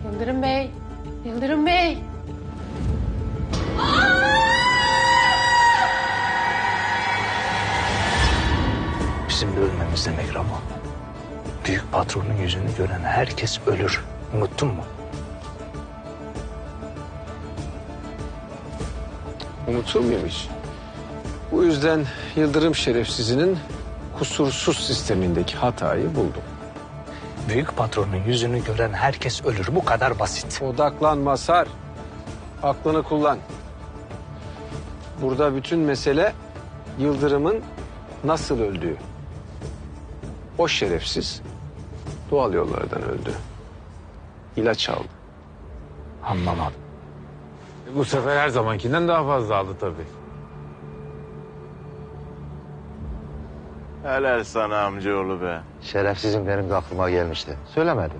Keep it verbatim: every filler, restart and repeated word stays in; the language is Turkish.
Yıldırım Bey, Yıldırım Bey. Bizim de ölmemiz demek Ramo. Büyük patronun yüzünü gören herkes ölür. Unuttun mu? Unutur muyum hiç? Bu yüzden Yıldırım şerefsizinin kusursuz sistemindeki hatayı buldum. Büyük patronun yüzünü gören herkes ölür. Bu kadar basit. Odaklan Mazhar. Aklını kullan. Burada bütün mesele Yıldırım'ın nasıl öldüğü. O şerefsiz doğal yollardan öldü. İlaç aldı. Anlamadım. Bu sefer her zamankinden daha fazla aldı tabii. Helal sana amcaoğlu be. Şerefsizim benim de aklıma gelmişti. Söylemedim.